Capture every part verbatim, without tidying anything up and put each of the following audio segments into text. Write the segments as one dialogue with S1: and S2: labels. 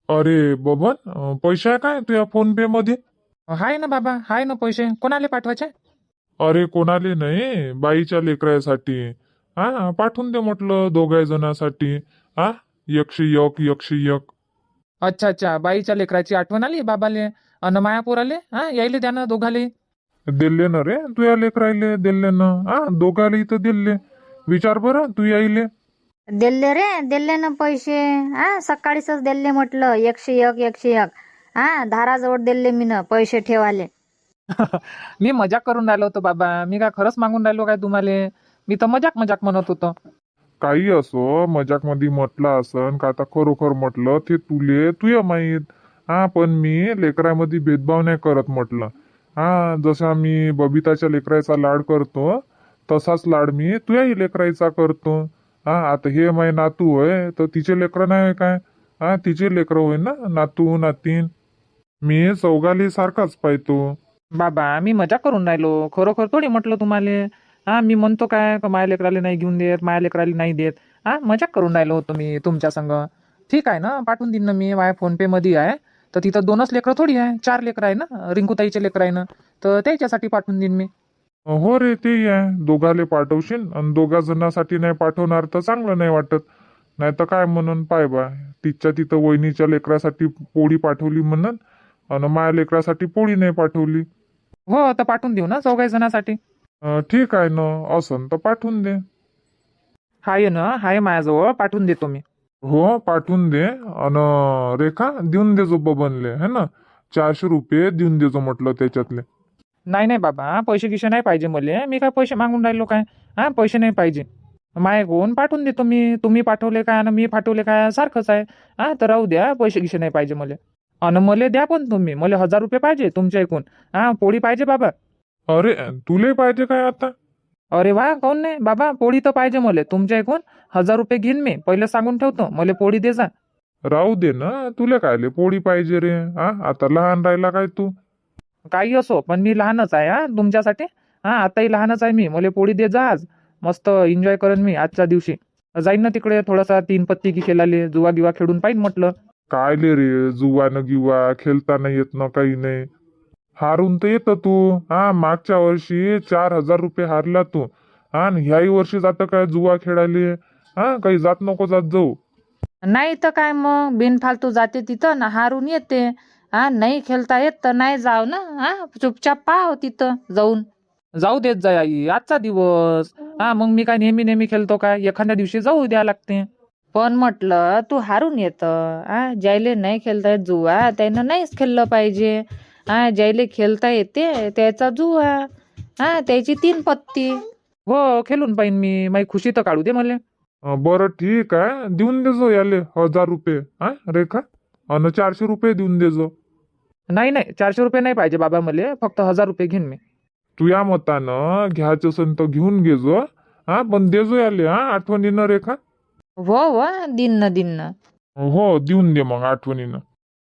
S1: अरे बबन, अं, पैसे आहे काय तुझ्या फोन पे मध्ये?
S2: हाय ना बाबा, हाय ना पैसे. कोणाला पाठवायचे?
S1: अरे कोणाले नाही, बाईच्या लेकरासाठी. हा पाठवून दे म्हटलं दोघा जणांसाठी. हा एकशे एक एकशे एक.
S2: अच्छा अच्छा, बाईच्या लेकराची आठवण आली बाबाले. अन मायापूर हा यायले द्या ना दोघाले.
S1: दिले ना रे तुया लेकरायले, दिले ना. हा दोघाले इथं दिले. विचार बरं तू यायले.
S3: दिले रे, दिले ना पैसे. हा सकाळीच दिले म्हटलं, एकशे एक एकशे एक. हा धाराजवळ दिले मी ना पैसे ठेवाले.
S2: मी मजाक करून राहिलो होतो बाबा. मी काय खरंच मागून राहिलो काय तुम्हाला? मी तर मजाक मजाक म्हणत होतो.
S1: काही असो, मजाक मध्ये म्हटलं असन का आता खरोखर म्हटलं ते तुले तुया माहीत. हा पण मी लेकरामध्ये भेदभाव नाही करत म्हटलं. हा जसा मी बबिताच्या लेकराचा लाड करतो, तसाच लाड मी तुयाही लेकराचा करतो. हा आता हे माय नातू होय तर तिचे लेकरं नाही होय काय? हा तिचे लेकरं होय ना, नातू नातीन. मी चौघाले सारखाच पाहतो.
S2: बाबा मी मजाक करून राहिलो, खरोखर थोडी म्हटलं तुम्हाला. हा मी म्हणतो काय का माया लेकराला नाही घेऊन देत, माया लेकराला नाही देत. हा मजाक करून राहिलो होतो मी तुमच्या संग. ठीक आहे ना, पाठवून देईन ना मी. माझ्या फोन पे मध्ये आहे. तर तिथं दोनच लेकरं थोडी आहे, चार लेकरं आहे ना, रिंकूताईचे लेकरं आहे ना. तर त्याच्यासाठी पाठवून देईन मी.
S1: हो रे ते आहे, दोघाले पाठवशील आणि दोघा जणांसाठी नाही पाठवणार तर चांगलं नाही वाटत. नाही तर काय म्हणून पाय बा, तिच्या तिथं वहिनीच्या लेकरासाठी पोळी पाठवली म्हणून, आणि माझ्या लेकरासाठी पोळी नाही पाठवली.
S2: हो तर पाठवून देऊ ना चौघाही जणांसाठी.
S1: अं, ठीक आहे ना, असन तर पाठवून दे.
S2: हाय ना, हाय माझ्याजवळ, पाठवून देतो मी.
S1: हो पाठवून दे. आणि रेखा देऊन देजो बबनले, है ना. चारशे रुपये देऊन देजो म्हटलं त्याच्यातले.
S2: नाही नाही बाबा, पैसे गिसे नाही पाहिजे मले. मी काय पैसे मागून राहिलो काय? हा पैसे नाही पाहिजे. माय कोण पाठवून देतो मी. तुम्ही पाठवले काय आणि मी पाठवले काय सारखंच आहे. हा तर राहू द्या, पैसे गिसे नाही पाहिजे मले. आणि मले द्या पण तुम्ही. मला हजार रुपये पाहिजे तुमच्या ऐकून. हा पोळी पाहिजे बाबा.
S1: अरे तुले पाहिजे काय आता?
S2: अरे वा, काऊन नाही बाबा, पोळी तर पाहिजे मले तुमच्या ऐकून. हजार रुपये घेईन मी, पहिले सांगून ठेवतो. मला पोळी दे जा.
S1: राहू दे ना, तुला कायले पोळी पाहिजे रे? हा आता लहान राहिला काय तू?
S2: काही असो, पण मी लहानच आहे हा तुमच्यासाठी. हा आताही लहानच आहे मी. मला पोळी दे जा आज. मस्त एन्जॉय करेन मी आजच्या दिवशी. जाईन ना तिकडे थोडासा तीन पत्ती की खेळाले, जुवा गिवा खेळून पाहिजे म्हटलं.
S1: कायले रे, जुवानं गिवा खेळता नाही येत ना, काही नाही. हारून तर येतं तू. हा मागच्या वर्षी चार हजार रुपये हारला तू. हा आणि ह्याही वर्षी जातं काय जुवा खेळायले? हा काही जात नको जात जाऊ.
S3: नाही तर काय मग, बिनफालतू जाते तिथं ना हारून येते. हा नाही खेळता येत तर नाही जाव ना. हा चुपचाप पाहाव तिथं जाऊन.
S2: जाऊ देत जा आई, आजचा दिवस. हा मग मी काय नेहमी नेहमी खेळतो काय? एखाद्या दिवशी जाऊ द्या लागते.
S3: पण म्हटलं तू हारून येतं. हा ज्याले नाही खेळता येत जुवा त्यानं नाहीच खेळलं पाहिजे. हा ज्याले खेळता येते त्याचा जुवा. हा त्याची तीन पत्ती.
S2: हो खेळून पाहिन मी. माझी खुशी तर काढू दे मला.
S1: अं, बरं ठीक आहे, देऊन देजो याले हजार रुपये. हा रेखा, आणि चारशे रुपये देऊन देजो.
S2: नाही नाही, चारशे रुपये नाही पाहिजे बाबा मले. फक्त हजार रुपये घेईन मी.
S1: तुया मतानं घ्यायचं असेल तर घेऊन घेजो. हा पण देजो याले, हा आठवणीनं रेखा.
S3: हो हो दिन न दिन न.
S1: हो देऊन दे मग आठवणीनं.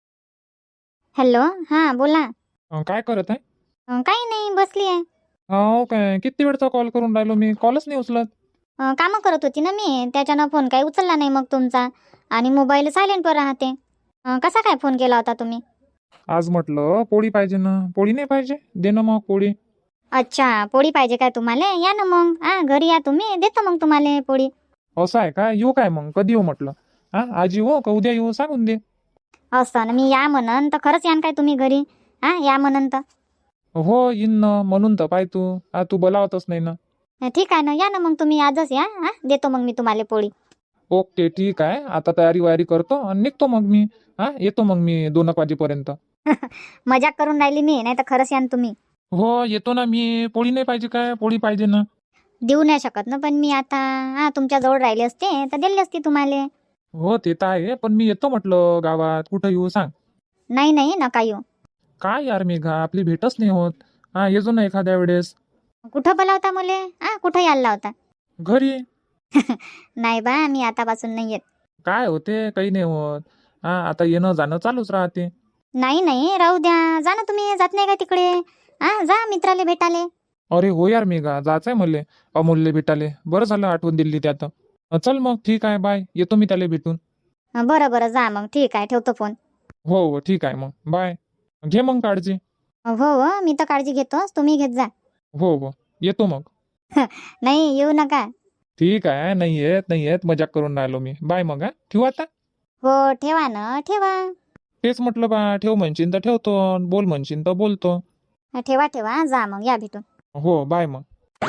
S4: हॅलो, हा बोला.
S2: अं, काय करत आहे?
S4: अं, काही नाही, बसली आहे.
S2: हो काय, किती वेळचा कॉल करून राहिलो मी, कॉलच नाही उचलत.
S4: अं, कामं करत होती ना मी, त्याच्यानं फोन काही उचलला नाही मग तुमचा. आणि मोबाईल सायलेंटवर राहते. अं, कसा काय फोन केला होता तुम्ही?
S2: आज म्हटलं पोळी पाहिजे ना. पोळी नाही पाहिजे, दे ना मग पोळी.
S4: अच्छा, पोळी पाहिजे काय तुम्हाला? या ना मग. हा घरी या तुम्ही, देतो मग तुम्हाला पोळी.
S2: असं आहे का? येऊ काय मग? कधी येऊ म्हटलं? हा आज येऊ का उद्या येऊ, सांगून दे.
S4: असं ना, मी या म्हणन तर खरंच यान काय तुम्ही घरी? हा या म्हणन तर.
S2: हो येईन ना, म्हणून तर पाय तू. हा तू बोलावतच नाही ना.
S4: ठीक आहे ना, या ना मग तुम्ही आजच या. हा देतो मग मी तुम्हाला पोळी.
S2: ओके ठीक आहे, आता तयारी वयारी करतो आणि निघतो मग मी. हा येतो मग मी दोन एक वाजेपर्यंत.
S4: मजाक करून राहिली मी, नाही तर खरंच यान तुम्ही.
S2: हो येतो ना मी. पोळी नाही पाहिजे काय? पोळी पाहिजे ना.
S4: देऊ नाही शकत ना, पण मी आता हा तुमच्या जवळ राहिले असते तर दिली असती तुम्हाला.
S2: हो ते तर आहे, पण मी येतो म्हटलं गावात. कुठं येऊ सांग?
S4: नाही नाही नका येऊ.
S2: काय यार मेघा, आपली भेटच नाही होत. हा येजो ना एखाद्या वेळेस.
S4: कुठं बोलावता मुले? हा कुठं यायला होता?
S2: घरी.
S4: नाही बा, मी आतापासून नाही येत.
S2: काय होते, काही नाही होत. हा आता येणं जाणं चालूच राहते.
S4: नाही नाही राहू द्या. जा ना तुम्ही, जात नाही का तिकडे? हा जा मित्राले भेटाले.
S2: अरे हो यार मेघा, जायचंय मले अमोलले भेटाले. बरं झालं आठवण दिली त्यात. चल मग ठीक आहे, बाय. येतो मी त्याला भेटून.
S4: बरं बरं जा मग, ठीक आहे, ठेवतो फोन.
S2: हो हो ठीक आहे मग बाय. घे मग काळजी.
S4: हो हो मी तर काळजी घेतोच, तुम्ही घेत जा.
S2: हो हो येतो मग.
S4: नाही येऊ नका.
S2: ठीक आहे, नाही येत नाही येत, मजाक करून राहिलो मी. बाय मग. हा ठेवू आता.
S4: हो ठेवा ना ठेवा.
S2: तेच म्हटलं बा, ठेव म्हणशील तर ठेवतो, बोल म्हणशील तर बोलतो.
S4: ठेवा ठेवा जा मग, या भेटून.
S2: हो बाय मग.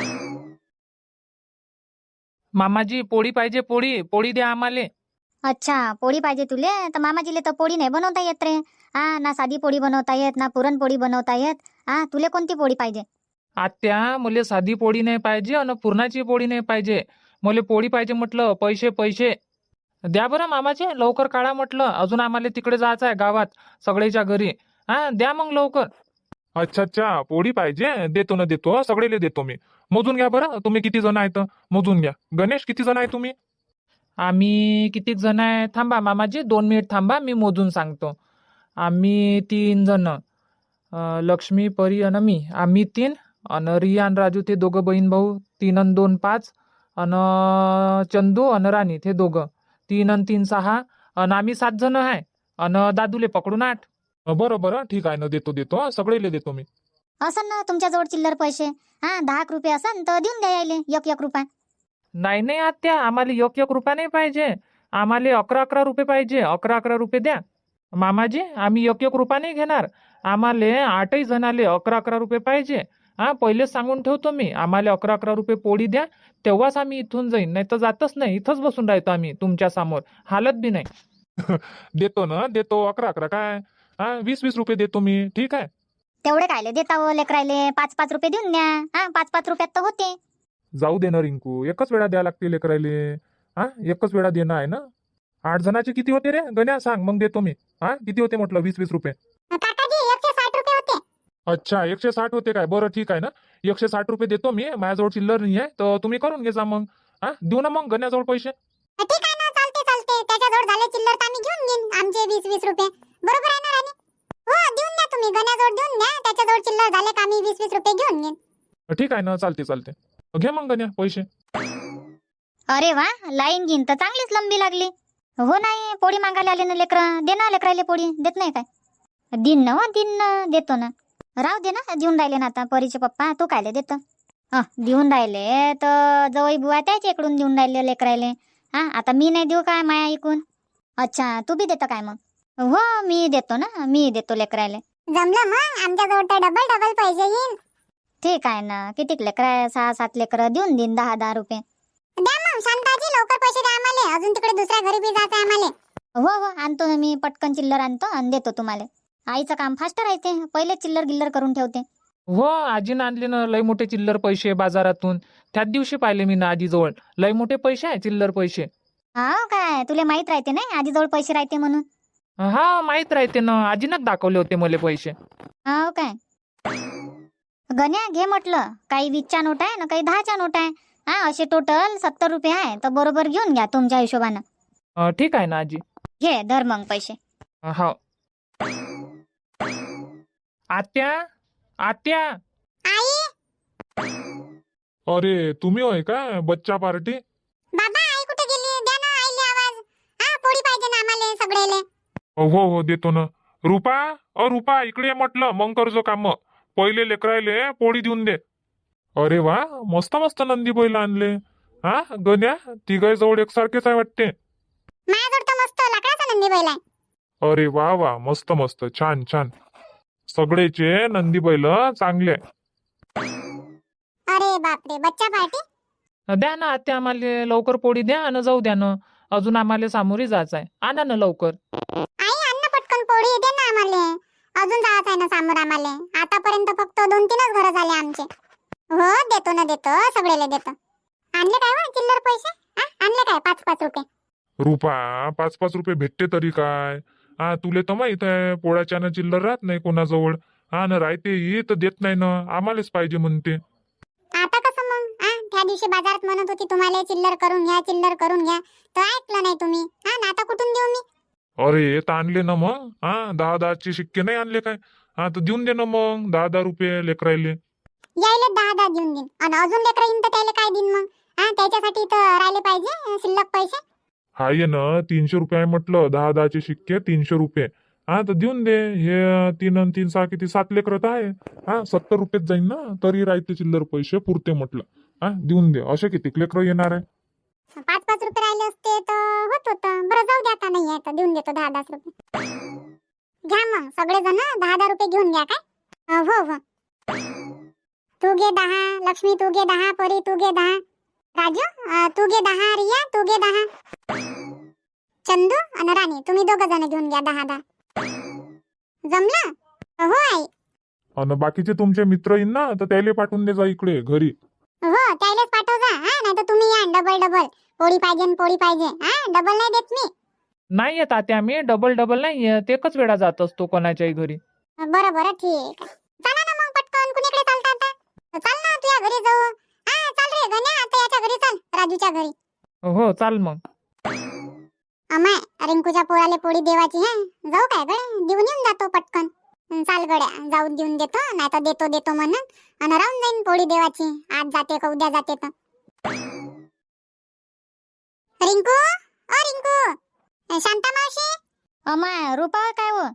S2: मामाजी पोळी पाहिजे, पोळी पोळी द्या आम्हाले.
S4: अच्छा पोळी पाहिजे तुले, तर मामाजीले तर पोळी नाही बनवता येत रे. हा ना साधी पोळी बनवता येत ना पुरणपोळी बनवता येत. हा तुले कोणती पोळी पाहिजे?
S2: आत्या मला साधी पोळी नाही पाहिजे आणि पुरणाची पोळी नाही पाहिजे, मला पोळी पाहिजे म्हटलं. पैसे पैसे द्या बरं मामाजी, लवकर काढा म्हटलं, अजून आम्हाला तिकडे जायचं आहे गावात सगळ्याच्या घरी. हा द्या मग लवकर.
S1: अच्छा अच्छा पोळी पाहिजे, देतो ना देतो, सगळेले देतो मी. मोजून घ्या बरं, तुम्ही किती जण आहेत मोजून घ्या. गणेश किती जण आहे तुम्ही?
S2: आम्ही किती जण आहे, थांबा मामाजी दोन मिनिट थांबा, मी मोजून सांगतो. आम्ही तीन जण, अं, लक्ष्मी परी आणि मी, आम्ही तीन. आणि रिया आणि राजू ते दोघं बहीण भाऊ, तीन आणि दोन पाच. आणि चंदू आणि राणी ते दोघं, तीन आणि तीन सहा. आणि आम्ही सात जण आहे. आणि दादूले पकडून आठ.
S1: बरं बरं ठीक आहे ना, देतो देतो, सगळेले देतो मी.
S4: असन ना तुमच्याजवळ चिल्लर पैसे? हा दहा एक रुपये असन तर देऊन द्या यायले एक एक रुपया.
S2: नाही नाही आत्या, आम्हाला एक एक रुपया नाही पाहिजे, आम्हाला अकरा अकरा रुपये पाहिजे. अकरा अकरा रुपये द्या मामाजी, आम्ही एक एक रुपया नाही घेणार. आम्हाला आठही जणाले अकरा अकरा रुपये पाहिजे. हा पहिलेच सांगून ठेवतो मी, आम्हाला अकरा अकरा रुपये पोळी द्या, तेव्हाच आम्ही इथून जाईन, नाही तर जातच नाही. इथंच बसून राहतो आम्ही तुमच्या समोर, हालत बी नाही.
S1: देतो ना देतो, अकरा अकरा काय, हा वीस वीस रुपये देतो मी, ठीक आहे.
S4: तेवढे कायले देता हो लेकरायले, पाच पाच रुपये देऊन द्या. हा पाच पाच रुपयात तर होते.
S1: जाऊ दे ना रिंकू, एकच वेळा द्या लागते लेकरायले. हा एकच वेळा देणं आहे ना. आठ जणाचे किती होते रे गण्या, सांग मग देतो मी. हा किती होते म्हटलं, वीस वीस रुपये?
S4: काकाजी एकशे साठ रुपये होते.
S1: अच्छा एकशे साठ होते काय, बरं ठीक आहे ना, एकशे साठ रुपये देतो मी. माझ्याजवळ चिल्लर नाही आहे, तर तुम्ही करून घे जा मग. हा देऊ ना मग गण्याजवळ पैसे.
S4: ठीक आहे ना, चालते चालते, त्याच्याजवळ झाले चिल्लर तर आम्ही घेऊन घेईन आमचे वीस वीस रुपये. बरोबर आहे ना राणी? हो देऊन द्या तुम्ही, गण्याजवळ देऊन द्या, त्याच्याजवळ चिल्लर झाले का आम्ही वीस वीस रुपये घेऊन घेईन.
S1: ठीक आहे ना, चालते चालते, घे मग गण्या पैसे.
S4: अरे वा, लाईन घेईन तर चांगलीच लंबी लागली. हो नाही पोळी मागायला आले ना लेकरं, दे ना लेकरायले पोळी. देत नाही काय? दिन ना हो दिन ना, देतो ना. राहू दे ना, देऊन राहिले ना आता परीचे पप्पा, तू कायले देतो? हा देऊन राहिले तर जवळ बुवा त्याच्या इकडून देऊन राहिले लेकरायले. हा आता मी नाही देऊ काय माया ऐकून? अच्छा तू बी देतो काय मग? हो मी देतो ना, मी देतो लेकरायले. जमलं मग, आमच्याजवळ तर डबल डबल पैसे येईल. ठीक आहे ना, किती लेकर, सहा सात लेकर देऊन देईन दहा दहा रुपये. द्या मग शांताजी, लवकर पैसे द्या आम्हाला, अजून तिकडे दुसऱ्या घरी बी जायचं आम्हाला. हो हो आणतो ना मी, पटकन चिल्लर आणतो आणि देतो तुम्हाला. आईचं काम फास्ट राहते, पहिले चिल्लर गिल्लर करून ठेवते.
S2: हो आजीनं आणले ना लय मोठे चिल्लर पैसे बाजारातून, त्याच दिवशी पाहिले मी ना आजीजवळ लय मोठे पैसे आहे, चिल्लर पैसे.
S4: हा काय तुला माहित राहते नाही आजीजवळ पैसे राहते म्हणून?
S2: हा माहित राहते ना, आजीनंच दाखवले होते मला पैसे.
S4: हा काय गण्या घे म्हटलं, काही वीसच्या नोट आहे ना काही दहाच्या नोट आहे. हा असे टोटल सत्तर रुपये आहे, तर बरोबर घेऊन घ्या तुमच्या हिशोबानं.
S2: अं, ठीक आहे ना आजी.
S4: घे धर मग पैसे.
S2: हो. आत्या आत्या.
S4: आई
S1: अरे तुम्ही होय का, बच्चा पार्टी?
S4: बाबा आई कुठे गेली? द्या ना आईले आवाज. हा पोळी पाहिजे ना आम्हाला सगळेले.
S1: हो हो देतो ना. रुपा, अ रुपा इकडे ये म्हटलं, मग करजो काम. पहिले लेकरायले पोळी देऊन दे. अरे वा, मस्त मस्त नंदी बैल आणले. हा गण्या, तिघाय जवळ एकसारखेच आहे वाटते.
S4: माझ्याजवळ तर मस्त लाकडाचा नंदी बैल आहे.
S1: अरे वा वा, मस्त मस्त, छान छान, सगळेचे नंदी बैल चांगले.
S4: अरे बापरे, बच्चा पार्टी.
S2: द्या ना आत्या, आम्हाला लवकर पोळी द्या आणि जाऊ द्या ना, अजून आम्हाला सामोरी जायचं आहे. आणा ना लवकर.
S4: आई अन्न पटकन पोळी दे ना आम्हाला, अजून जायचं आहे ना समोर आम्हाला. आतापर्यंत फक्त दोन तीनच घर झाले आमचे. हो देतो ना देतो, सगळेले देतो. आणले काय वा चिल्लर पैसे? हा आणले काय पाच पाच रुपये?
S1: रुपा, पाच पाच रुपये भेटते तरी काय? हा तुले तर माहित आहे, पोळ्याच्यानं चिल्लर राहत नाही कोणाजवळ. हा ना राहते ही तर देत नाही ना, आम्हालाच पाहिजे म्हणते.
S4: आता कसं मग? हा त्या दिवशी बाजारात म्हणत होती तुम्हाला चिल्लर करून घ्या, चिल्लर करून घ्या, तर ऐकलं नाही तुम्ही. हा ना आता कुठून देऊ मी?
S1: अरे तर आणले ना मग. हा दहा दहाचे शिक्के नाही आणले काय? हा तर देऊन दे ना मग दहा दहा रुपये लेकरायले.
S4: यायले दहा दहा देऊन देईन, आणि अजून लेकर येईन तर त्याला काय देईन मग? हा त्याच्यासाठी तर राहिले पाहिजे शिल्लक पैसे.
S1: हाय ना, तीनशे रुपये आहे म्हटलं, दहा दहाचे शिक्के तीनशे रुपये. हा तर देऊन दे. हे तीन अन तीन सहा किती सात लेकरं तर आहे. हा सत्तर रुपयेच जाईन ना, तरी राहते चिल्लर पैसे पुरते म्हटलं. हा देऊन दे. असे किती लेकरं येणार आहे?
S5: पाच पाच रुपये राहिले असते तर होत होतं. बरं जाऊ द्या, आता नाही आहे तर देऊन देतो दहा दहा रुपये. घ्या मग सगळेजण दहा दहा रुपये घेऊन घ्या काय. अं, हो हो. तू घे दहा, लक्ष्मी तू घे दहा, परी तू घे दहा, राजू अं, तू घे दहा, रिया तू घे दहा, चंदू आणि राणी तुम्ही दोघ जण घेऊन घ्या दहा दहा. जमलं? हो आई.
S1: आणि बाकीचे तुमचे मित्र येईन ना, तर त्याला पाठवून दे जा इकडे घरी.
S5: हो त्यालाच पाठव जा. हा नाही तर तुम्ही या डबल डबल. पोळी पाहिजे न पोळी पाहिजे. हा डबल नाही देत मी.
S2: नाही येत आत्या, मी डबल डबल नाही येत, एकच वेळा जात असतो कोणाच्याही घरी.
S5: बरं बरं ठीक. चला ना मग पटकन, कुणीकडे चालता आता? चाल ना तुझ्या घरी जाऊ. हा चाल रे गण्या, आता याच्या घरी चाल, राजूच्या घरी.
S2: हो चाल मग.
S5: अमाय रिंकूच्या पोळाले पोळी देवाची आहे. जाऊ काय गड्या, देऊन येऊन जातो पटकन. हं, चाल गड्या जाऊन देऊन देतो, नाही तर देतो देतो म्हणून आणि राहून जाईन पोळी देवाची. आज जाते का उद्या जाते तर. रिंकू ओ रिंकू, शांता मावशी.
S4: अमाय रुपा काय हो?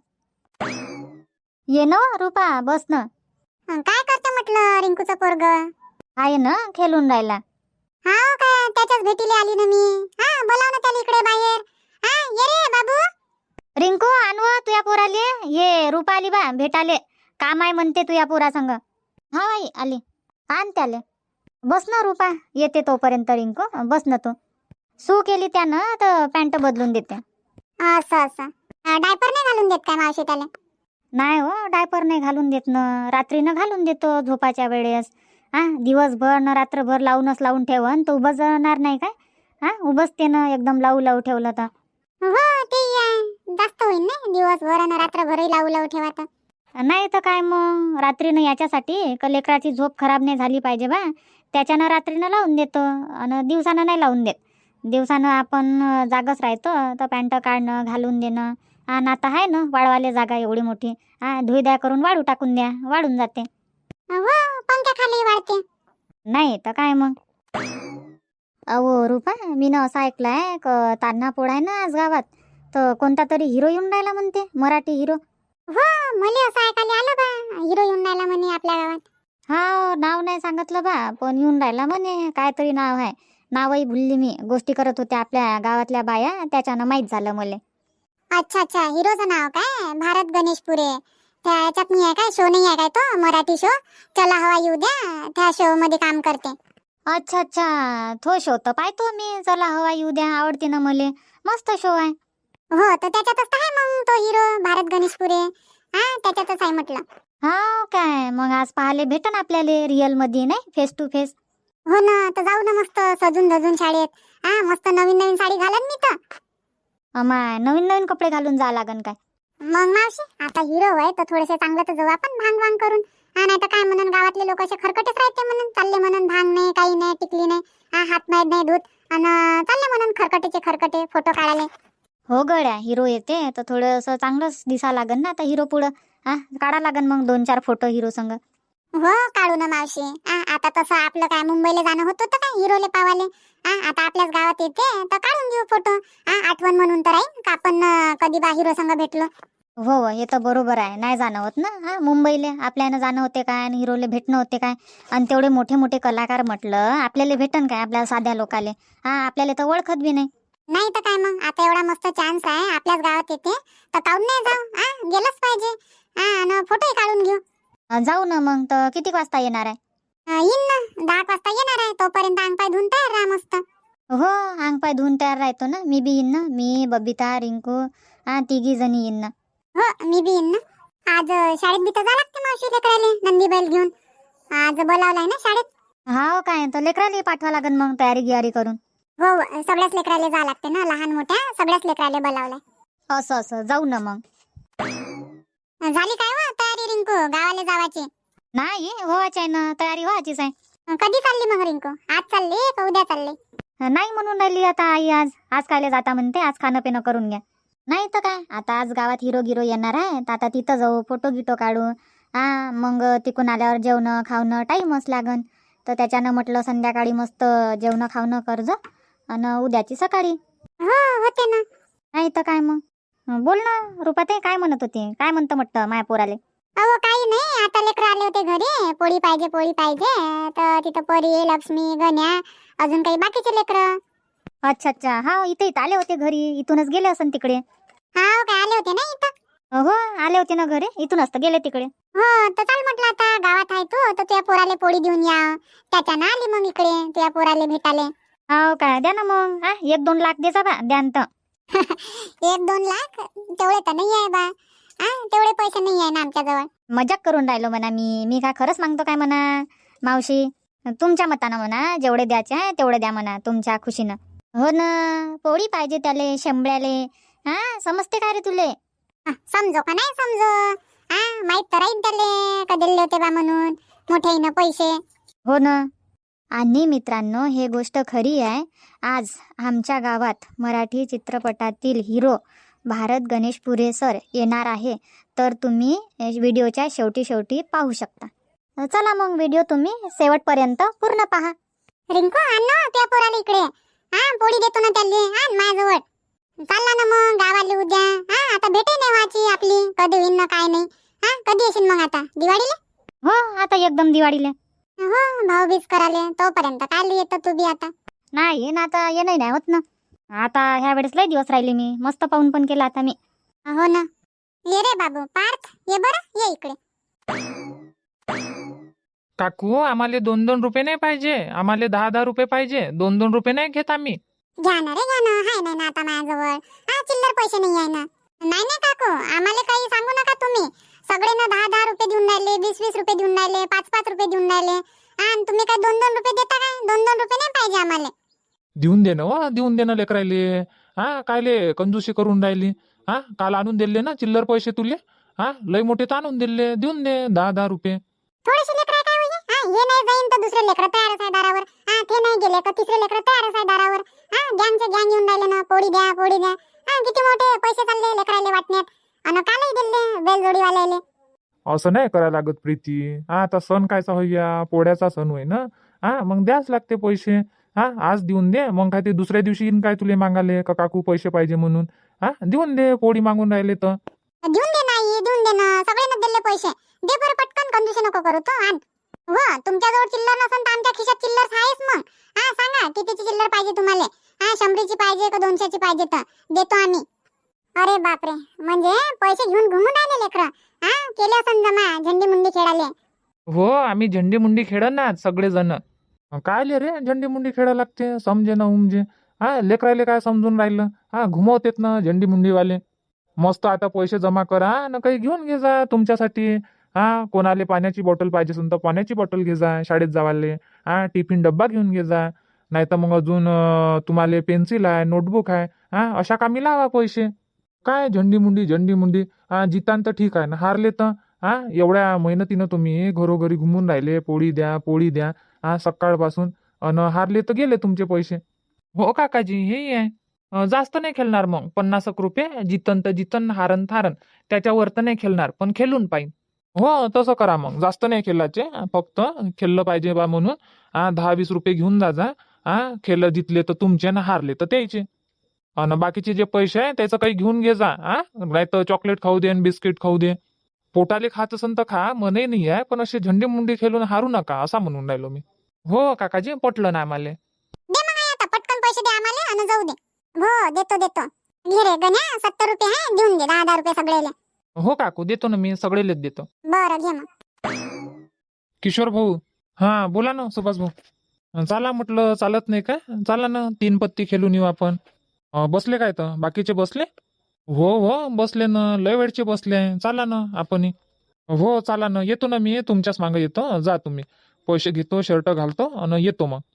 S4: ये ना रुपा, बस ना.
S5: हं, काय करतो म्हटलं रिंकूचं पोरग?
S4: आहे ना, खेळून राहिला.
S5: हा काय त्याच्याच भेटीला आली ना मी. हा बोलाव ना त्याला इकडे बाहेर. हा ये रे बाबू.
S4: रिंकू आणव तुया पोराले. ये रुपा आली बा भेटाले, काम आहे म्हणते तुया पोरा संग. हा आई आली, आण त्याले. बस ना रुपा, येते तोपर्यंत रिंकू, बस ना तू. सू केली त्यानं तर पॅन्ट बदलून देते.
S5: असं असं डायपर नाही घालून देत काय मावशी त्याला?
S4: नाही हो, डायपर नाही घालून देत ना, रात्रीनं घालून देतो झोपाच्या वेळेस. हा दिवसभर न रात्रभर लावूनच लावून ठेवन तर उभं जळणार नाही काय. हा उभंच ते ना एकदम लावू लावू ठेवलं तर.
S5: हो ते आहे. जास्त होईल ना दिवसभर आणि रात्रभरही लावू लावू ठेवा तर.
S4: नाही तर काय मग, रात्रीनं याच्यासाठी का लेकराची झोप खराब नाही झाली पाहिजे बा, त्याच्यानं रात्रीनं लावून देतो आणि दिवसानं नाही लावून देत. दिवसानं आपण जागच राहतो तर पॅन्ट काढणं घालून देणं. आणि आता आहे ना वाळवाले जागा एवढी मोठी, हा धुई द्या करून वाळू टाकून द्या, वाळून जाते.
S5: हो पंख्या खाली वाढते.
S4: नाही तर काय मग. अहो रुपा, मी ना असं ऐकलंय क तान्हा पोळा आहे ना आज गावात, तर कोणता तरी हिरो येऊन राहिला म्हणते, मराठी हिरो.
S5: हो मला असं ऐकायला आलं बा, हिरो येऊन राहिला म्हणे आपल्या गावात.
S4: हा नाव नाही सांगितलं बा, पण येऊन राहिला म्हणे. काय तरी नाव आहे, नावही भुलली मी. गोष्टी करत होत्या आपल्या गावातल्या बाया, त्याच्यानं माहीत झालं मला.
S5: अच्छा अच्छा, हिरोचं नाव काय? भारत गणेशपुरे. त्या याच्यात नाही आहे काय, शो नाही आहे काय तो मराठी शो, चला हवा येऊ द्या, त्या शो मध्ये काम करते.
S4: अच्छा अच्छा, तो शो तर पाहतो मी, चला हवा येऊ द्या, आवडते ना मले, मस्त शो आहे.
S5: हो तर त्याच्यातच तर आहे मग तो हिरो भारत गणेशपुरे. हा त्याच्यातच आहे म्हटलं.
S4: हा काय मग आज पाहायला भेटन आपल्याला रिअल मध्ये, नाही फेस टू फेस.
S5: हो ना, तर जाऊ ना मस्त सजून धजून शाळेत. हा मस्त नवीन नवीन साडी घालन मी तर.
S4: अमाय नवीन नवीन कपडे घालून जा लागन काय.
S5: मग मावशी आता हिरो आहे तर थोडेसे चांगलं तर जाऊ आपण भांग भांग करून. हा नाही तर काय म्हणून गावातले लोक असे खरकटेच राहते म्हणून, चालले म्हणून भांग नाही काही नाही टिकली नाही, हा हात माहीत नाही धूत आणि चालले म्हणून खरकटेचे खरकटे फोटो काढाले.
S4: हो गड्या, हिरो येते तर थोडंसं चांगलंच दिसा लागन ना आता हिरो पुढं. हा काढा लागन मग दोन चार फोटो हिरो संग.
S5: हो काढू ना मावशी. आ, आता तसं आपलं काय मुंबईला जाणं होत होतं काय हिरोले पावाले. आ, आता आपल्याच गावात येते तर काढून घेऊ फोटो. आ, आठवण म्हणून तर राहील का आपण अं, कधी बा हिरो संग भेटलो.
S4: हो हो, हे तर बरोबर आहे, नाही जाणं होत ना. हा मुंबईले आपल्यानं जाणं होते काय आणि हिरोले भेटणं होते काय. आणि तेवढे मोठे मोठे कलाकार म्हटलं आपल्याला भेटन काय, आपल्या साध्या लोकाले. हा आपल्याला तर ओळखत बी नाही.
S5: नाही तर काय मग, आता एवढा मस्त चान्स आहे आपल्याच गावात येते तर काढून नाही जाऊ. आ गेलंच पाहिजे. हा आणि फोटोही काढून घेऊ.
S4: अं, जाऊ ना मग. तर किती वाजता येणार आहे?
S5: अं, येईन ना दहा एक वाजता येणार आहे. तोपर्यंत अंग पाय धुवून तयार राहा मस्त.
S4: हो अंग पाय धुवून तयार राहतो ना, मी बी येईन ना. मी बबिता रिंकू हा तिघी जणी येईन ना.
S5: हो मी बी येईन ना. आज अं, शाळेत बी तर जा लागते मावशी लेकराले नंदी बैल घेऊन. आज बोलावलाय ना शाळेत.
S4: हा काय तर लेकराला पाठवा लागन मग तयारी गियारी करून.
S5: हो हो, सगळ्याच लेकराले जा लागते ना, लहान मोठ्या सगळ्याच लेकराले बोलावलाय.
S4: असं असं जाऊ ना मग.
S5: झाली काय व तयारी रिंकू गावाला जावाची?
S4: नाही व्हायची आहे ना, तयारी व्हायचीच आहे.
S5: कधी चालली मग रिंकू? आज चालली का उद्या चालली?
S4: नाही म्हणून राहिली आता आई, आज आज कायले जाता म्हणते, आज खाणं पिणं करून घ्या. नाही तर काय, आता आज गावात हिरो गिरो येणार आहे तर आता तिथं जाऊ, फोटो गिटो काढू. हा मग तिकून आल्यावर जेवणं खावणं टाईमच लागन. तर त्याच्यानं म्हटलं संध्याकाळी मस्त जेवणं खावणं करजो आणि उद्याची सकाळी.
S5: हो होते ना.
S4: नाही तर काय मग. हं, बोल ना रुपाताई, काय म्हणत होते? काय म्हणतं म्हटलं माया पोराले?
S5: अहो काही नाही, आता लेकरं आले होते घरी, पोळी पाहिजे पोळी पाहिजे, तर तिथं परी, लक्ष्मी, गण्या, अजून काही बाकीचे लेकरं.
S4: अच्छा अच्छा, हा इथे इथं आले होते घरी, इथूनच गेले असन तिकडे.
S5: हा काय आले होते ना इथं.
S4: हो आले होते ना घरी, इथूनच तर गेले तिकडे.
S5: हो तर चाल म्हटलं, आता गावात आहे तू तर तुझ्या पोराले पोळी देऊन या. त्याच्यानं आली मग इकडे तुझ्या पोराले भेटाले.
S4: हो काय, द्या ना मग. हा एक दोन लाख द्याचा बा, द्यान तर.
S5: एक दोन लाख तेवढे तर नाही आहे बा. हा तेवढे पैसे नाही आहे ना आमच्याजवळ.
S4: मजाक करून राहिलो म्हणा मी मी काय खरंच मागतो काय म्हणा मावशी? तुमच्या मतानं म्हणा, जेवढे द्यायचे आहे तेवढे द्या म्हणा, तुमच्या खुशीनं. हो ना, पोळी पाहिजे त्याले, शेंबड्याले. हा समजते काय रे तुले?
S5: हा, समजो का नाही समजो, हा माहित तर राहील त्याले का दिले होते बा म्हणून मोठ्यानं पैसे.
S4: हो ना. आणि मित्रांनो, हे गोष्ट खरी आहे. आज आमच्या गावात मराठी चित्रपटातील हिरो भारत गणेश पुरे सर येणार आहे, तर तुम्ही व्हिडिओच्या शेवटी शेवटी पाहू शकता. चला मग व्हिडिओ तुम्ही शेवटपर्यंत पूर्ण पहा.
S5: रिंकू आण ना तुझ्या पोराला इकडे. हा पोळी देतो ना त्याले, आण माझ्याजवळ. चालला ना मग गावाले उद्या. हा आता भेटे नाही व्हायची आपली, कधी होईन ना काय नाही. हा कधी येशील मग आता दिवाळीला?
S4: हो आता एकदम दिवाळीला.
S5: हो भाऊबीज कराले, तोपर्यंत काय येतं तू बी आता.
S4: नाही ना, आता ये नाही होत ना. आता ह्या वेळेस लय दिवस राहिले, मी मस्त पाहून पण केला आता मी.
S5: हो ना. ये रे बाबू पार्थ, ये बरं, ये इकडे.
S2: काकू आम्हाला दोन दोन रुपये नाही पाहिजे, आम्हाला दहा दहा रुपये पाहिजे. दोन दोन रुपये नाही घेत आम्ही.
S5: घ्या ना रे घ्या ना, हाय नाही ना आता माझ्याजवळ. हा चिल्लर पैसे नाही आहे ना. नाही नाही काकू, आम्हाला काही सांगू नका तुम्ही. सगळे ना दहा दहा रुपये देऊन राहिले, वीस वीस रुपये देऊन राहिले, पाच पाच रुपये देऊन राहिले. हा आणि तुम्ही काय दोन दोन रुपये देता काय? दोन दोन रुपये नाही पाहिजे आम्हाला.
S2: देऊन दे ना हो, देऊन दे ना लेकरायले. हा कायले कंजूसी करून राहिली? हा काल आणून दिले ना चिल्लर पैसे तुले. हा लय मोठे तर आणून दिले, देऊन दे दहा दहा रुपये.
S5: थोडेसे लेकर काय होईल? हा हे नाही जाईन तर दुसरे लेकर तयारच आहे दारावर. हा ते नाही गेले तर तिसरे लेकर तयारच आहे दारावर. हा गँगचे गँग येऊन राहिले ना, पोळी द्या पोळी द्या. हा किती मोठे पैसे चालले लेकराले वाटण्यात. आणि कालही दिले बैलजोडीवाल्याले.
S1: असं नाही करायला लागत प्रीती. हा आता सण कायचा होईया, पोळ्याचा सण होय ना. हा मग द्याच लागते पैसे. हा आज देऊन दे, मग काय ते दुसऱ्या दिवशी येईन काय तुले मागाले का काकू पैसे पाहिजे म्हणून. हा देऊन दे, पोळी मागून राहिले तर.
S5: देऊन दे नाही, देऊन दे ना, सगळ्यांना दिले पैसे. दे बरं पटकन, कंजूसी नको करू तो. आण. हो तुमच्याजवळ चिल्लर नसेल तर आमच्या खिशात चिल्लर आहेच मग. हा सांगा कितीची चिल्लर पाहिजे तुम्हाला. हा शंभरीची पाहिजे का दोनशेची पाहिजे तर देतो आम्ही. अरे बापरे, म्हणजे पैसे घेऊन घुमून राहिले लेकरं. हा केले असं जमा झंडी मुंडी खेळाले.
S2: हो आम्ही झंडी मुंडी खेळ ना सगळेजण. काय ले रे झंडी मुंडी खेळा लागते, समजे ना उमजे. हा लेकरायले काय समजून राहिलं. हा घुमवतेत ना झंडी मुंडीवाले. मस्त आता पैसे जमा करा ना, काही घेऊन घे जा तुमच्यासाठी. हा कोणाले पाण्याची बॉटल पाहिजे असेल तर पाण्याची बॉटल घे जा शाळेत जावाले. हा टिफिन डब्बा घेऊन घे जा. नाही तर मग अजून तुम्हाला पेन्सिल आहे, नोटबुक आहे. हा अशा कामी लावा पैसे. काय झंडी मुंडी झंडी मुंडी. हा जितान तर ठीक आहे ना, हारले तर. हा एवढ्या मेहनतीनं तुम्ही घरोघरी घुमून राहिले, पोळी द्या पोळी द्या हा सकाळपासून. अन हारले तर गेले तुमचे पैसे. हो काकाजी हे आहे. अं, जास्त नाही खेळणार मग, पन्नास एक रुपये. जितन तर जितन, हारन थारन. त्याच्यावर तर नाही खेळणार, पण खेळून पाहिजे. हो तसं करा मग, जास्त नाही खेळायचे, फक्त खेळलं पाहिजे बा म्हणून. हा दहा वीस रुपये घेऊन जा जा. हा खेळ जितले तर तुमचे ना, हारले तर त्याचे. आणि बाकीचे जे पैसे आहे त्याचं काही घेऊन घे जा. हा नाही तर चॉकलेट खाऊ दे आणि बिस्किट खाऊ दे. पोटाले खात असन तर खा, मनही नाही आहे, पण असे झंडी मुंडी खेळून हारू नका असा म्हणून राहिलो मी. हो काकाजी पटलं ना आम्हाला.
S5: दे मग आहे आता पटकन पैसे दे आम्हाला आणि जाऊ दे. हो देतो देतो. घे रे गण्या, सत्तर रुपये आहे, देऊन दे दहा दहा रुपये सगळेले.
S2: हो काकू देतो ना मी, सगळेलेच देतो.
S5: बरं घे मग.
S2: किशोर भाऊ. हा बोला ना सुभाष भाऊ. चाला म्हटलं, चालत नाही का? चला ना तीन पत्ती खेळून येऊ आपण. अं, बसले काय तर बाकीचे बसले? हो हो बसले ना, लय वेळचे बसले. चला ना आपण. हो चला ना, येतो ना मी तुमच्याच मागे येतो. जा तुम्ही, पैसे घेतो, शर्ट घालतो आणि येतो मग.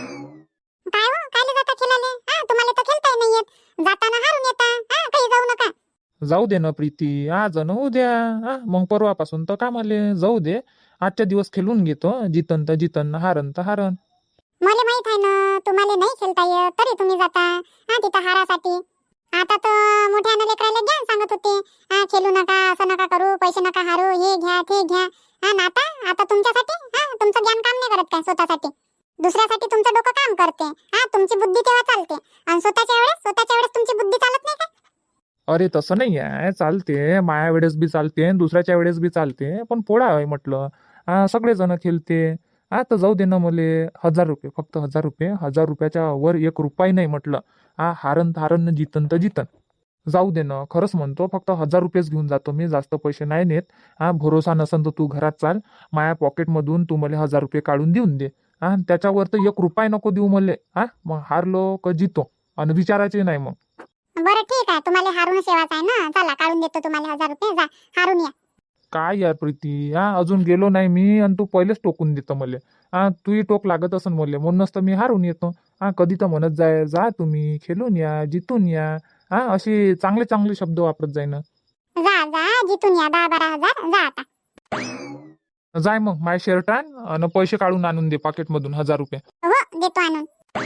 S5: काय हो कायले जाता खेळाले? हा तुम्हाला तर खेळताही नाही येत. जाताना हारून येता. हा काही जाऊ नका.
S2: जाऊ दे ना प्रीती, आज न उद्या. हा मग परवापासून तर कामाले जाऊ दे. आजच्या दिवस खेळून घेतो, जितन तर जितन, हारन तर हारन.
S5: मला माहित आहे ना तुम्हाला नाही खेळता येत, तरी तुम्ही जाता हा तिथं हारासाठी. आता तर मोठ्यानं लेकराला ज्ञान सांगत होते. हा खेळू नका, असं नका करू, पैसे नका हारू, हे घ्या ते घ्या. हा ना आता आता तुमच्यासाठी हा तुमचं ज्ञान काम नाही करत काय स्वतःसाठी. दुसऱ्यासाठी तुमचं डोकं काम करते. हा तुमची बुद्धी तेव्हा चालते आणि स्वतःच्या वेळेस स्वतःच्या वेळेस तुमची बुद्धी चालत नाही काय?
S2: अरे तसं नाही आहे, चालते माया वेळेस बी चालते आणि दुसऱ्याच्या वेळेस बी चालते, पण पोळा आहे म्हटलं. हा सगळेजण खेळते. हा तर जाऊ दे ना मले हजार रुपये, फक्त हजार रुपये. हजार रुपयाच्या वर एक रुपये नाही म्हटलं. हा हारन हारन जितन तर जितन. जाऊ दे ना, खरंच म्हणतो, फक्त हजार रुपयेच घेऊन जातो मी, जास्त पैसे नाही नेत. हा भरोसा नसन तर तू घरात चाल, माया पॉकेटमधून तू मला हजार रुपये काढून देऊन दे. हा त्याच्यावर तर एक रुपये नको देऊ मले. हा मग हारलो का जितो आणि विचारायचे नाही मग.
S5: बरं ठीक आहे, तुम्हाला हारून सेवाच आहे ना. चला काढून देतो तुम्हाला हजार रुपये. जा हारून या.
S2: काय यार प्रीती, हा अजून गेलो नाही मी आणि तू पहिलेच टोकून देतो मले. हा तूही टोक लागत असन मले, म्हणूनच तर मी हारून येतो. हा कधी तर म्हणत जाय, जा तुम्ही खेळून या, जितून या. हा असे चांगले चांगले शब्द वापरत जाय ना.
S5: जा जा जिथून या. दहा बारा हजार. जा आता.
S2: जाय मग माय शर्ट आण आणि पैसे काढून आणून दे पाकिटमधून हजार रुपये.
S5: हो देतो आणून.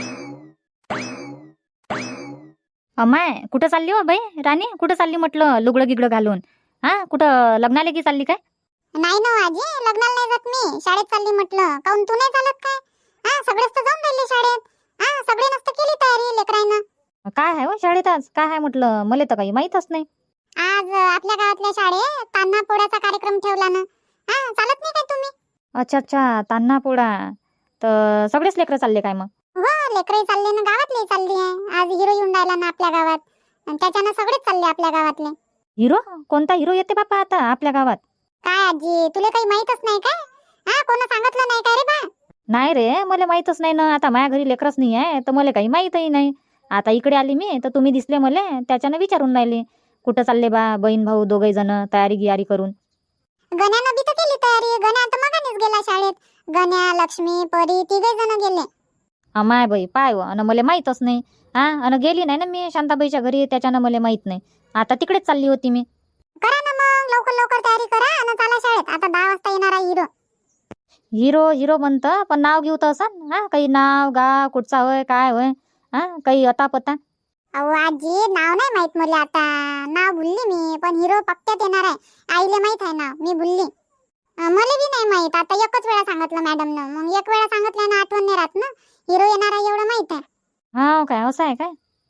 S3: अमाय कुठं चालली हो बाई राणी? कुठं चालली म्हटलं लुगडं गिगडं घालून? हा कुठं लग्नाला की चालली काय?
S5: नाही ना आजी, लग्नाला नाही जात मी. शाळेत चालली म्हटलं. काऊन तू नाही चालत काय? हा सगळेच तर जाऊन राहिले शाळेत. हा सगळे नसतं केली तयारी लेकरांना.
S3: काय आहे हो शाळेत आज? काय आहे म्हटलं? मला तर काही माहीतच नाही.
S5: आज आपल्या गावातल्या शाळेत तान्हा पोळ्याचा कार्यक्रम ठेवला ना. हा चालत नाही काय तुम्ही?
S3: अच्छा अच्छा, तान्हा पोळा. तर सगळेच लेकरं चालले काय मग?
S5: हो लेकरही चालले ना, गावातले चालली आहे. आज हिरो येऊन राहिला ना आपल्या गावात, आणि त्याच्यानं सगळेच चालले आपल्या गावातले.
S3: हिरो? कोणता हिरो येते बापा आता आपल्या गावात?
S5: काय आजी, तुला काही माहीतच नाही काय? हा कोण सांगितलं नाही काय रे बा?
S3: नाही रे, मला माहीतच नाही ना. आता माझ्या घरी लेकरच नाही आहे तर मला काही माहीतही नाही. आता इकडे आली मी तर तुम्ही दिसले मला, त्याच्यानं विचारून राहिले कुठं चालले बा बहीण भाऊ दोघे जण तयारी गियारी करून.
S5: गण्यानं बी तर केली तयारी. गण्या तर मगानेच गेला शाळेत. गण्या, लक्ष्मी, परी तिघे जण गेले.
S3: अमाय बाई पाय व, अन मला माहीतच नाही. हा अन गेली नाही ना मी शांताबाईच्या घरी, त्याच्यानं मला माहीत नाही. आता तिकडेच चालली होती मी.
S5: करा ना मग लवकर लवकर तयारी करा आणि चला शाळेत. आता दहा वाजता येणार आहे हिरो.
S3: हिरो हिरो म्हणतं, पण नाव घेऊ तर असं हा काही नाव गाव कुठचा होय काय होय? हा काही अता पता?
S5: अहो आजी नाव नाही माहित मला आता. नाव भुलली मी, पण हिरो पक्क्यात येणार आहे. आईले माहित आहे नाव, मी भुलली. अं, मला बी नाही माहित. आता एकच वेळा सांगितलं मॅडमनं, मग एक वेळा सांगितल्यानं आठवण नाही राहत ना. हिरो येणार आहे एवढं माहित आहे.
S3: हा काय असं आहे काय?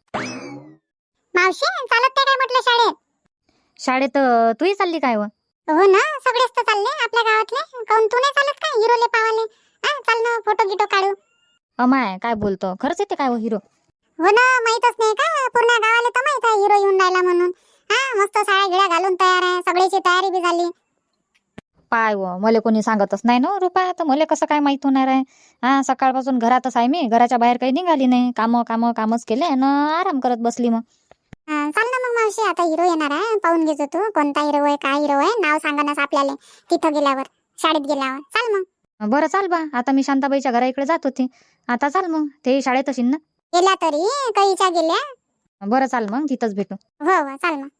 S5: मावशी चालत काय म्हटलं शाळेत?
S3: शाळेत अं, तूही चालली काय व?
S5: हो ना, सगळेच तर चालले आपल्या गावातले. काऊन तू नाही चालत काय हिरोले पावाले? हा चाल ना, फोटो गिटो काढू.
S3: अमाय काय बोलतो, खरंच येते काय व हिरो?
S5: हो ना, माहीतच नाही का? पूर्ण गावाला तर माहित आहे हिरो येऊन राहिला म्हणून. हा मस्त साड्या गिळ्या घालून तयार आहे. सगळ्याची तयारी बी झाली.
S3: पाय व, मला कोणी सांगतच नाही ना रुपा, तर मला कसं काय माहित होणार आहे? हा सकाळपासून घरातच आहे मी, घराच्या बाहेर काही निघाली नाही. कामं कामं कामच केले ना, आराम करत बसली मग.
S5: हा, चाल ना मग मावशी, आता हिरो येणार आहे. पाहून घेतो तू कोणता हिरो आहे, काय हिरो आहे. नाव सांगा ना आपल्याला तिथं गेल्यावर, शाळेत गेल्यावर. चाल मग.
S3: बरं चाल बा, आता मी शांताबाईच्या घरा इकडे जात होती. आता चाल मग, ते शाळेत असेल ना.
S5: गेल्या तरी कैच्या गेल्या.
S3: बरं चाल मग, तिथंच भेटू.
S5: हो हो चाल मग.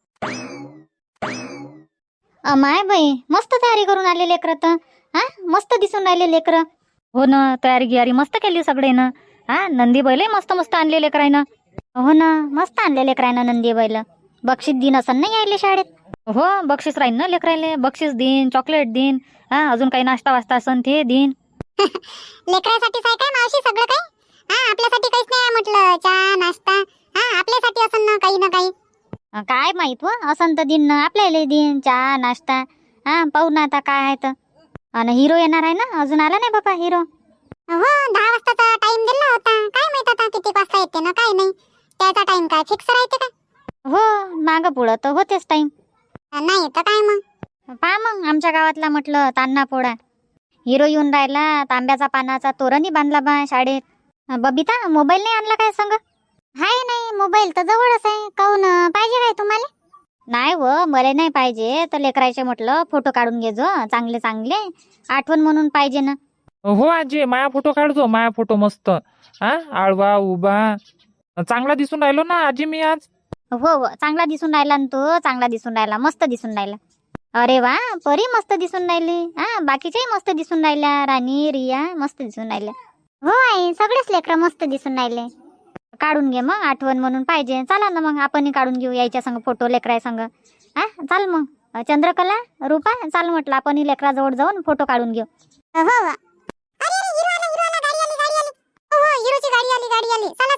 S4: अमाय बाई मस्त तयारी करून आले लेकरं तर. हा मस्त दिसून राहिले लेकरं.
S3: हो ना, तयारी गियारी मस्त केली सगळे ना. हा नंदी बैल मस्त मस्त आणले लेकरायनं.
S4: हो ना, मस्त आणले लेकरांना नंदी बैल. बक्षीस दिन असं नाही यायले शाळेत?
S3: हो बक्षीस राहील ना लेकरायले, बक्षीस देईन, चॉकलेट देईन. हा अजून काही नाश्ता वास्ता असन ते देईन.
S5: लेकरासाठीच आहे काय मावशी सगळं काही? हा आपल्यासाठी काहीच नाही म्हटलं. चहा नाश्ता हा आपल्यासाठी असं ना काही ना काही.
S4: काय माहित व, असं तर दिन आपल्याला दिन चहा नाश्ता. हा पाहू ना आता काय आहे तर. आणि हिरो येणार आहे ना, अजून आला नाही बाबा हिरो.
S5: हो दहा वाजताचा टाइम दिला होता. काय माहित आता किती वाजता येते ना काय नाही. त्याचा टाइम काय फिक्स राहते का?
S4: हो मागं पुढं तर होतेच टाइम.
S5: नाही तर काय मग.
S4: पहा मग आमच्या गावातला म्हटलं तान्हा पोळा. हिरो येऊन राहिला, तांब्याचा पानाचा तोरणही बांधला बा शाळेत. बबिता मोबाईल नाही आणला काय संग? हाय नाही, मोबाईल तर जवळच आहे. काऊन पाहिजे काय तुम्हाला? नाही व, मला नाही पाहिजे. तर लेकरायचे म्हटलं फोटो काढून घे जो चांगले चांगले, आठवण म्हणून पाहिजे ना.
S2: हो आजी, माया फोटो काढतो. माया फोटो मस्त. हा आळवा उभा चांगला दिसून राहिलो ना आजी मी आज.
S4: हो हो चांगला दिसून राहिला ना तू, चांगला दिसून राहिला, मस्त दिसून राहिला. अरे वा, परी मस्त दिसून राहिली. हा बाकीच्याही मस्त दिसून राहिल्या. राणी रिया मस्त दिसून राहिल्या.
S5: हो आई, सगळेच लेकरं मस्त दिसून राहिले.
S4: काढून घे मग, आठवण म्हणून पाहिजे. चला ना मग आपणही काढून घेऊ यायच्या संग फोटो लेकराय संग. हा चाल मग. चंद्रकला रूपा चाल म्हटलं, आपणही लेकराजवळ जाऊन फोटो काढून घेऊ.
S5: हो हो. अरे अरे हिरो आला, हिरो आला, गाडी आली, गाडी आली. हो हो हिरोची गाडी आली, गाडी आली. चला